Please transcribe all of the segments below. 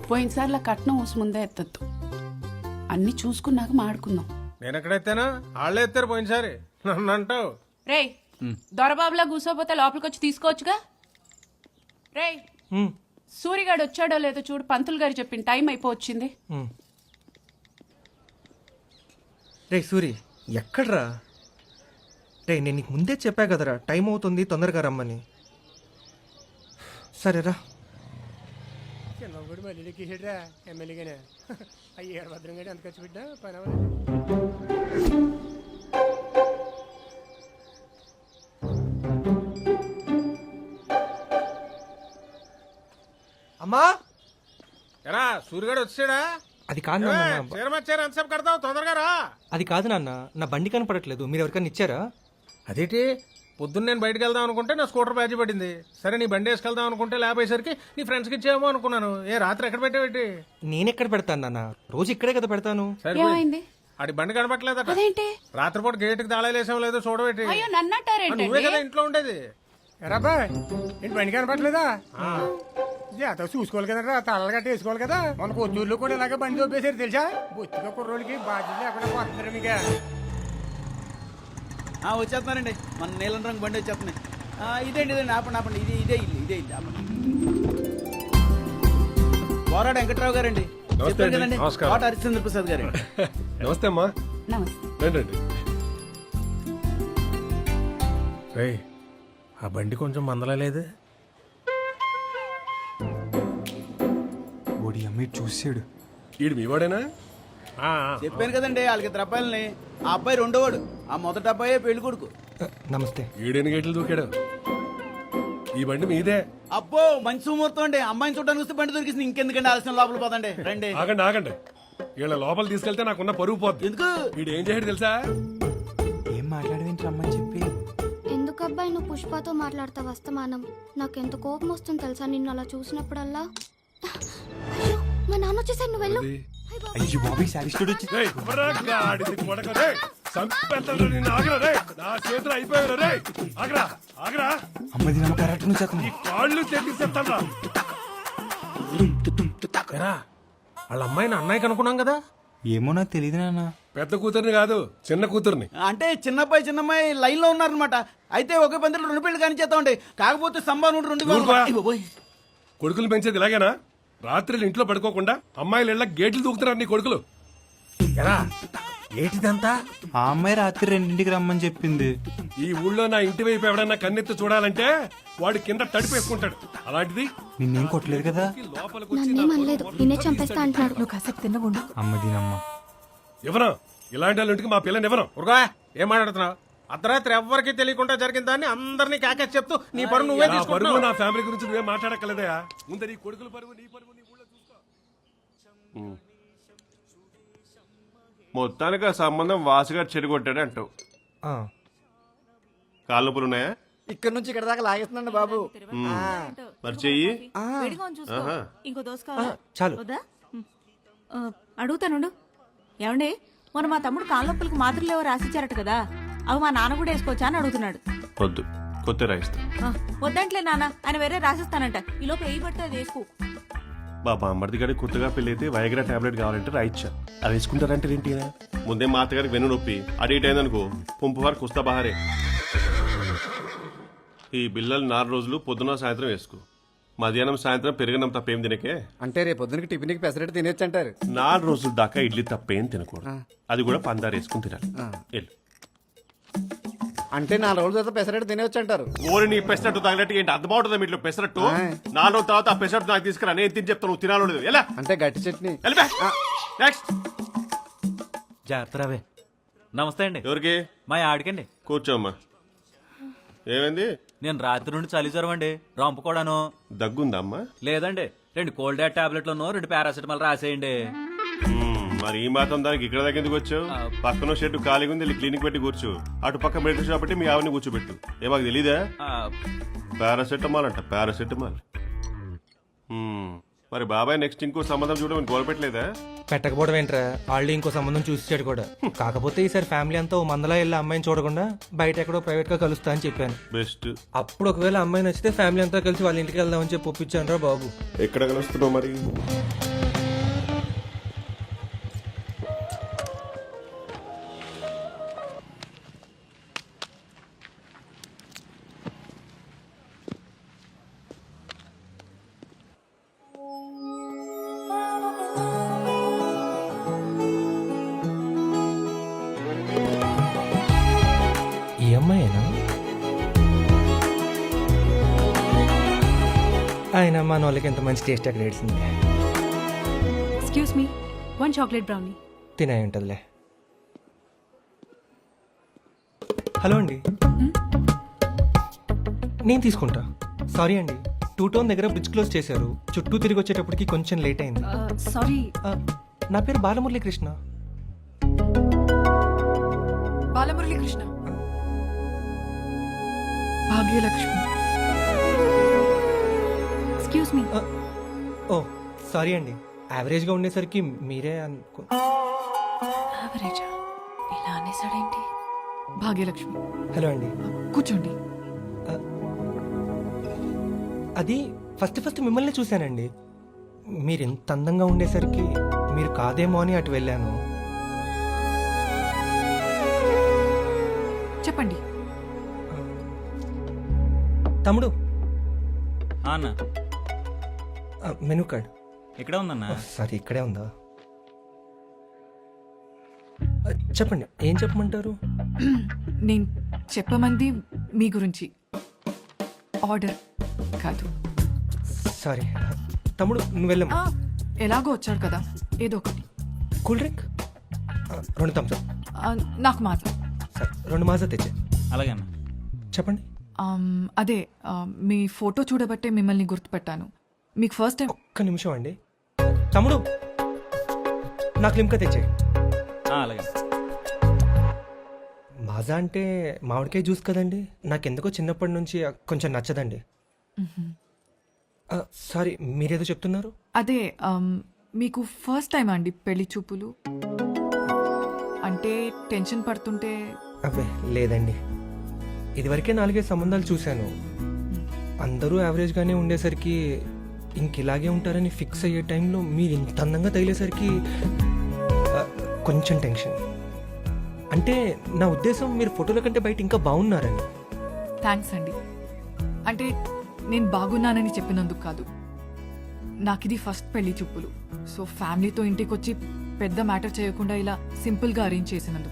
పోయినసార్లు కట్నం ఊసి ముందే ఎత్తద్దు, అన్ని చూసుకున్నాక మాడుకుందాం. నేను ఎక్కడెత్తానా? వాళ్ళే ఎత్తారు పోయినసారి, నన్ను అంటావు. రేయ్ దొరబాబులా కూర్చోపోతే లోపలికి వచ్చి తీసుకోవచ్చుగా. రేయ్ సూరిగాడు వచ్చాడో లేదో చూడు, పంతులు గారు చెప్పిన టైం అయిపోవచ్చింది. రే సూరి, ఎక్కడ్రా? రే నేను నీకు ముందే చెప్పా కదరా టైం అవుతుంది, తొందరగా రమ్మని. సరేరా. చిన్నప్పుడు మళ్ళీ ఎక్కిసాడురా ఎమ్మెల్యేగానే. అయ్యారు భద్రం గడి ఎంత ఖర్చు పెట్టినా పని అమ్మా ఎరా సూర్యగాడు వచ్చాడా? అది కాదు నాన్న. చీరమచ్చారు ఎంతసేపు కడతావు, తొందరగా రా. అది కాదు నాన్న, నా బండి కనపడట్లేదు, మీరు ఎవరికైనా ఇచ్చారా? అదేంటి పొద్దున్న నేను బయటకు వెళ్దాం అనుకుంటే నా స్కూటర్ బ్యాచ్ పడింది. సరే నీ బండి వేసుకెళ్దాం అనుకుంటే లేపేసరికి నీ ఫ్రెండ్స్కి ఇచ్చేమో అనుకున్నాను. ఏ రాత్రి ఎక్కడ పెట్టావేంటి? నేనెక్కడ పెడతాను నాన్న, రోజు ఇక్కడే కదా పెడతాను. ఏమైంది? ఆడి బండి కనపట్లేదట. అదేంటి? రాత్రిపూట గేటుకి తాళాలేసాం లేదో చూడబెట్టి. అయ్యో నన్నంటారేంటి? నువ్వే కదా ఇంట్లో ఉండేది. ఎరాబా ఏంటి బండి కనపట్లేదా? జాత చూసుకోవాలి కదరా, తలలు గట్టి వేసుకోవాలి కదా. మన కొత్తూరులో కూడా ఇలాగే బండి చూపేశారు తెలుసా. బొత్తిగా కుర్రోళ్ళకి బాధ్యత లేకుండా పోతున్నారు మీకు. వచ్చేస్తున్నారండి, మన నీలం రంగు బండి వచ్చేస్తున్నాయి. ఇదేంటి ఇదండి, ఆపండి ఆపండి, ఇదే ఇల్లు ఆపండి. పోరాడు వెంకట్రావు గారండి, చెప్పాను కదండి. కోట హరిశ్చంద్ర ప్రసాద్ గారు. నమస్తే అమ్మా. నమస్తే. రండి. రేయ్ ఆ బండి కొంచెం మందలేదు. ఓడి అమ్మాయి చూసాడు. ఈడు మీ వాడేనా? చెప్పాను కదండి వాళ్ళకి 2 అబ్బాయిలని. ఆ అబ్బాయి రెండోవాడు, ఆ మొదటి అబ్బాయి పెళ్లి కొడుకు. నమస్తే. ఈడెన్ని గేట్లు దూకాడు. ఈ బండి మీదే. అబ్బో మంచి సుముహూర్తం అండి, అమ్మాయిని చూడడానికి వస్తే బండి దొరికింది. ఇంకెందుకండి ఆలస్యం, లోపల పోదండి రండి. ఆగండి వీళ్ళ లోపల తీసుకెళ్తే నాకున్న పరుగు పోద్ది. ఎందుకు? వీడు ఏం చేయడు తెలుసా? ఏం మాట్లాడవేంటి రమ్మని చెప్పి. ఎందుకబ్బాయి నువ్వు పుష్పతో మాట్లాడతావు వస్తమానం? నాకెంత కోపం వస్తుంది తెలుసా నిన్ను అలా చూసినప్పుడల్లా. అయ్యో మా నాన్న వచ్చేసాడు, నువ్వు వెళ్ళు. అయ్యో బాబీ సారిస్టుడు వచ్చి. రేయ్, కుర్రా, గాడిద కొడక, రేయ్, చంపేస్తాను నిన్ను. ఆగరా రేయ్, నా చేతులు అయిపోయారు. రేయ్ ఆగరా. అమ్మది నమ్మ కరెక్ట్ నుంచి ఈ కాళ్ళు తెప్పిస్తాను రా. వాళ్ళ అమ్మాయిని అన్నయ్యకి అనుకున్నాం కదా. ఏమో నాకు తెలియదు నాన్న. పెద్ద కూతుర్ని కాదు, చిన్న కూతుర్ని. అంటే చిన్నబ్బాయి చిన్నమ్మాయి లైన్ లో ఉన్నారనమాట. అయితే ఒకే పందిలో 2 పెళ్లి కానీ చేస్తామండి. కాకపోతే సంభావన 2 కొడుకులు పెంచేది ఇలాగేనా? రాత్రులు ఇంట్లో పడుకోకుండా అమ్మాయిలు ఇళ్ళ గేట్లు దూకుతున్నారు నీ కొడుకులు. ఎరా ఏంటిదంతా? ఆ అమ్మాయి రాత్రి 2ంటికి రమ్మని చెప్పింది. ఈ ఊళ్ళో నా ఇంటి వైపు ఎవడన్నా కన్నెత్తి చూడాలంటే వాడు కింద తడిపేసుకుంటాడు. అలాంటిది నిన్నేం కొట్టలేదు కదా. నన్నేం అనలేదు, నిన్నే చంపేస్తా అంటున్నాడు. నువ్వు కాసేపు తిన్నగుండు. అమ్మది నమ్మ. ఎవరా ఇలాంటి వాళ్ళ ఇంటికి మా పిల్లని ఎవరు? ఉరుగా ఏం మాట్లాడుతున్నావు? అర్ధరాత్రి ఎవ్వరికి తెలియకుండా జరిగిన దాన్ని అందరినీ కాకేసి చెప్తూ నీ పరువు నువ్వే నా పరువు, తీసుకుంటున్నావు. నా ఫ్యామిలీ గురించి నువ్వే మాట్లాడక్కలేదా? ముందు నీ కొడుకుల పరువు, నీ పరువు నీ ఊళ్ళో చూసుకో. మొత్తానికి ఆ సంబంధం వాసుగా చెడగొట్టాడు అంటావు. కాళ్ళ నొప్పులు ఉన్నాయా? ఇక్కడ నుంచి ఇక్కడ దాకా లాగేస్తున్నాండి బాబు. మరి చెయ్యి. ఇంకో దోశ కావాలా? చాలు. వద్దా? అడుగుతానుండు. ఏమండి మొన్న మా తమ్ముడు కాళ్ళొప్పులకి మాత్రలు ఎవరు రాసిచ్చారట కదా, అవి మా నాన్న కూడా వేసుకోవచ్చా అని అడుగుతున్నాడు. వద్దు, కొత్త రాయిస్తా. వద్దంట్లే నాన్న, ఆయన వేరే రాసిస్తానంట. ఈ లోపు ఏ పడితే అది వేసుకో. బాబా అమ్మర్ది గారికి కొత్తగా పెళ్ళైతే వైగ్రా టాబ్లెట్ కావాలంటే రాయిచ్చా. అది వేసుకుంటారంటే ఏంటి? ముందే మా అత్తగారికి వెన్ను నొప్పి అటు ఇటు అయిందనుకో పంపు వారికి కుస్తా బహారే. ఈ బిల్లలు 4 రోజులు పొద్దున సాయంత్రం వేసుకో. మధ్యాహ్నం సాయంత్రం పెరిగినం తప్పేం తినకే. అంటే రేపు పొద్దునకి టిఫిన్కి పెసరెట్ తినేచ్చు అంటారు. 4 రోజుల దాకా ఇడ్లీ తప్పేం తినకూడదు. అది కూడా పందారు వేసుకుని తినాలి. వెళ్ళు. అంటే 4 రోజుల తర్వాత పెసరెట్ తినేవచ్చు అంటారు. ఓరి నీ పెసరట్టు తగినట్టు ఏంటి అర్థం అవుతుంది మీట్లో పెసరట్టు? 4 రోజుల తర్వాత ఆ పెసరట్టు నాకు తీసుకురా, నేను తిని చెప్తాను నువ్వు తినాలో లేదు. ఎలా అంటే గట్టి చట్నీ. నెక్స్ట్. జాగ్రత్త రావే. నమస్తే అండి. ఎవరికి? మా ఆడికండి. కూర్చోమ్మా. ఏమైంది? నేను రాత్రి నుండి చలి జ్వరం అండి, రంపుకోడాను. దగ్గుందా అమ్మా? లేదండి, 2 కోల్డ్ డాట్ టాబ్లెట్లను 2 పారాసిటమాల్ రాసేయండి. మరి ఈ మాత్రం దానికి ఇక్కడ దాకా ఎందుకు వచ్చావు? పక్కన షెడ్ ఖాళీగా ఉంది, క్లినిక్ పెట్టి కూర్చో. అటు పక్క మెడికల్ షాప్ పెట్టి మీ ఆవిని కూర్చోబెట్టు. ఏ మాకు తెలీదా? పారాసెటమాల్ అంట, పారాసెటమాల్. మరి బాబాయ్ నెక్స్ట్ ఇంకో సంబంధం చూడమని గోలపెట్టలేదా? పెట్టకపోవడం ఏంట్రా, ఆల్రెడీ ఇంకో సంబంధం చూసాడు కూడా. కాకపోతే ఈసారి ఫ్యామిలీ అంతా ఓ మందలా వెళ్ళి అమ్మాయిని చూడకుండా బయట ఎక్కడో ప్రైవేట్ గా కలుస్తా అని చెప్పాను. బెస్ట్. అప్పుడు ఒకవేళ అమ్మాయి నచ్చితే ఫ్యామిలీ అంతా కలిసి వాళ్ళ ఇంటికి వెళ్దామని చెప్పి ఒప్పించాను రా బాబు. ఎక్కడ కలుస్తున్నావు మరి? ఆయన మన వాళ్ళకి ఎంత మంచి టేస్ట్ అక్కడ ఏడ్చింది. Excuse me 1 chocolate brownie. తినే ఉంటుందిలే. హలో అండి, నేను తీసుకుంటా. సారీ అండి, 2 టౌన్ దగ్గర బ్రిడ్జ్ క్లోజ్ చేశారు. చుట్టూ తిరిగి వచ్చేటప్పటికి కొంచెం లేట్ అయింది. సారీ. నా పేరు Balamurali Krishna. Balamuralikrishna, Bhagyalakshmi. Excuse me. Oh sorry అండి, యావరేజ్గా ఉండేసరికి మీరే అనుకో. యావరేజా? ఇలా అనేసాడేంటి? భాగ్యలక్ష్మి. హలో అండి. కూర్చోండి. అది ఫస్ట్ మిమ్మల్ని చూశానండి. మీరు ఎంత అందంగా ఉండేసరికి మీరు కాదేమో అని అటు వెళ్ళాను. చెప్పండి. తమ్ముడు, అన్న మెనూ కార్డ్. ఇక్కడే ఉందన్నా. సారీ, ఇక్కడే ఉందా? చెప్పండి, ఏం చెప్పమంటారు? నేను చెప్పమంది మీ గురించి, ఆర్డర్ కాదు. సారీ తమ్ముడు, నువ్వు వెళ్ళమ్మా. ఎలాగో వచ్చాడు కదా, ఏదో ఒకటి. Cool drink 2 Thums Up. నాకు మాత్రం. సరే 2 మాజా తెచ్చే. అలాగే అన్న. చెప్పండి. అదే మీ ఫోటో చూడబట్టే మిమ్మల్ని గుర్తుపెట్టాను. మీకు ఫస్ట్ టైం. ఒక్క నిమిషం అండి. తమ్ముడు, నాకు లిమ్కా తెచ్చే. అలాగే. మాజా అంటే మామిడికాయ జ్యూస్ కదండి. నాకెందుకో చిన్నప్పటి నుంచి కొంచెం నచ్చదండి. సారీ, మీరేదో చెప్తున్నారు. అదే మీకు ఫస్ట్ టైం అండి పెళ్లి చూపులు? అంటే టెన్షన్ పడుతుంటే. అబ్బే లేదండి, ఇదివరకే 4 సంబంధాలు చూశాను. అందరూ యావరేజ్గానే ఉండేసరికి ఇంక ఇలాగే ఉంటారని ఫిక్స్ అయ్యే టైంలో మీరు ఇంత అందంగా తగిలేసరికి కొంచెం టెన్షన్. అంటే నా ఉద్దేశం మీరు ఫోటోల కంటే బయట ఇంకా బాగున్నారని. థ్యాంక్స్ అండి. అంటే నేను బాగున్నానని చెప్పినందుకు కాదు, నాకు ఇది ఫస్ట్ పెళ్లి చూపులు. సో ఫ్యామిలీతో ఇంటికి వచ్చి పెద్ద మ్యాటర్ చేయకుండా ఇలా సింపుల్గా అరేంజ్ చేసినందుకు.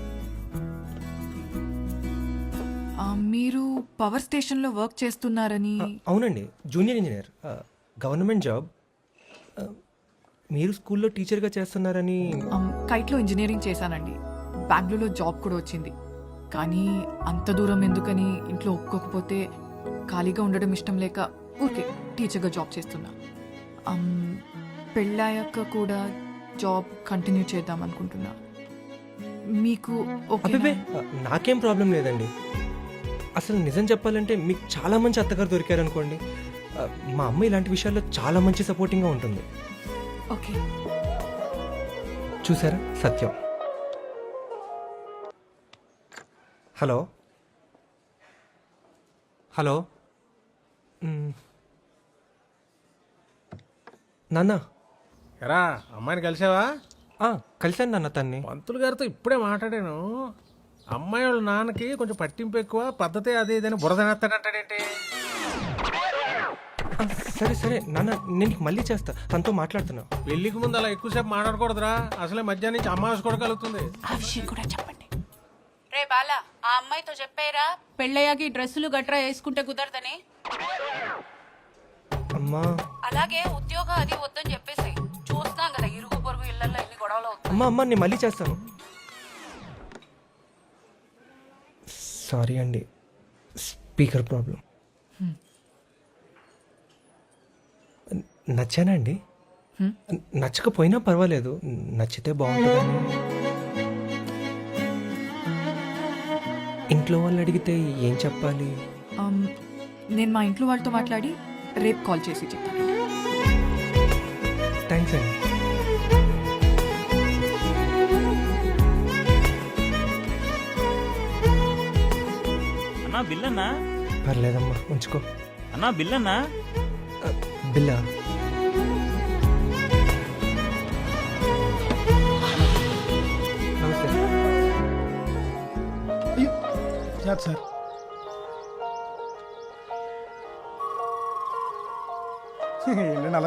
మీరు పవర్ స్టేషన్లో వర్క్ చేస్తున్నారని. అవునండి, జూనియర్ ఇంజనీర్, గవర్నమెంట్ జాబ్. మీరు స్కూల్లో టీచర్గా చేస్తున్నారని. కైట్లో ఇంజనీరింగ్ చేశానండి. బెంగళూరులో జాబ్ కూడా వచ్చింది. కానీ అంత దూరం ఎందుకని ఇంట్లో ఒప్పుకోకపోతే ఖాళీగా ఉండడం ఇష్టం లేక ఊరికే టీచర్గా జాబ్ చేస్తున్నా. పెళ్ళాక కూడా జాబ్ కంటిన్యూ చేద్దాం అనుకుంటున్నా. మీకు అబ్బే నాకేం ప్రాబ్లం లేదండి. అసలు నిజం చెప్పాలంటే మీకు చాలా మంచి అత్తగారు దొరికారనుకోండి. మా అమ్మ ఇలాంటి విషయాల్లో చాలా మంచి సపోర్టింగ్గా ఉంటుంది. ఓకే. చూసారా, సత్యం. హలో హలో నాన్న. ఎరా, అమ్మాయిని కలిసావా? కలిశాను నాన్న తన్ని. పంతులు గారితో ఇప్పుడే మాట్లాడాను. అమ్మాయి వాళ్ళ నాన్నకి కొంచెం పట్టింపు ఎక్కువ, పద్ధతి అది ఇదని బురదనేస్తాడంటాడేంటి? సరే సరే నాన్న, నేను నీకు మళ్ళీ చేస్తా. తనతో మాట్లాడుతున్నా. పెళ్లికి ముందు అలా ఎక్కువసేపు మాట్లాడకూడదురా. అసలే మధ్యాహ్నం నుంచి అమ్మాయి కూడా కలుగుతుంది. ఆ విషయం కూడా చెప్పండి. రే బాలా, ఆ అమ్మాయితో చెప్పారా పెళ్ళయ్యాకి డ్రెస్సులు గట్రా వేసుకుంటే కుదరదని? అమ్మా. అలాగే ఉద్యోగం అది వద్దని చెప్పేసి. చూస్తాం కదా ఇరుగు పొరుగు ఇళ్లలో ఎన్ని గొడవలు అవుతాయి. అమ్మా నేను మళ్ళీ చేస్తాను. సారీ అండి, స్పీకర్ ప్రాబ్లం. నచ్చానా అండి? నచ్చకపోయినా పర్వాలేదు, నచ్చితే బాగుంటుందని. ఇంట్లో వాళ్ళు అడిగితే ఏం చెప్పాలి? నేను మా ఇంట్లో వాళ్ళతో మాట్లాడి రేపు కాల్ చేసి చెప్తాను. థ్యాంక్స్ అండి. అన్నా బిల్ అన్నా. పర్లేదమ్మా, ఉంచుకో. అన్నా బిల్ అన్నా. బిల్లా? నమస్తే. సార్ ఏంటండి అలా